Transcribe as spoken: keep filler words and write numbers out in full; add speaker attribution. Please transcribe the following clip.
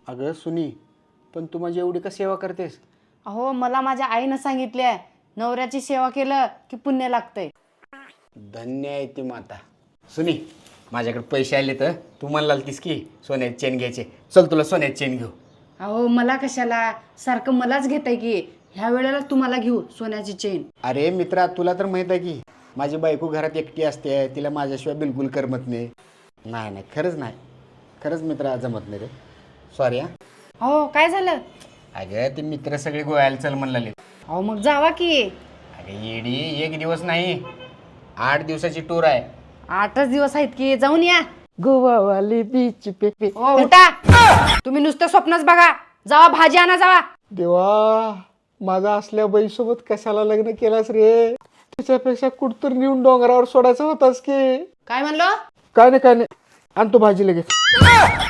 Speaker 1: अगं सुनी, पण तू माझी एवढी का सेवा करतेस?
Speaker 2: अहो मला माझ्या आईनं सांगितलंय नवऱ्याची सेवा केलं की पुण्य लागतंय.
Speaker 1: धन्य आहे ती माता. सुनी, माझ्याकडे पैसे आले तर तू म्हणलाल तीस की सोन्याची चेन घ्यायचे. चल तुला सोन्याची चेन घेऊ.
Speaker 2: अहो मला कशाला, सारखं मलाच घेताय की. ह्या वेळेला तुम्हाला घेऊ सोन्याची चेन.
Speaker 1: अरे मित्रा, तुला तर माहित आहे की माझी बायको घरात एकटी असते, तिला माझ्याशिवाय बिलकुल करमत नाही. नाही नाही खरंच नाही, खरंच मित्रा जमत नाही रे. सॉरी. हा
Speaker 2: अहो काय झालं?
Speaker 1: अगं ते मित्र सगळे गोव्याला चल म्हणले.
Speaker 2: अहो मग जावा की.
Speaker 1: अगं येडी, एक दिवस नाही आठ दिवसाची टूर आहे.
Speaker 2: आठच दिवस आहेत की, जाऊन या.
Speaker 1: गोवावाली बीच पे पे.
Speaker 2: ओ उठा, तुम्ही नुसतं स्वप्नच बघा. जावा भाजी आणा जावा.
Speaker 1: देवा, माझा असल्या बाईसोबत कशाला लग्न केलास रे? त्याच्यापेक्षा कुठतर नेऊन डोंगरावर सोडायचं होतास की.
Speaker 2: काय म्हणलो?
Speaker 1: काय नाही काय नाही, आणतो भाजी लगेच.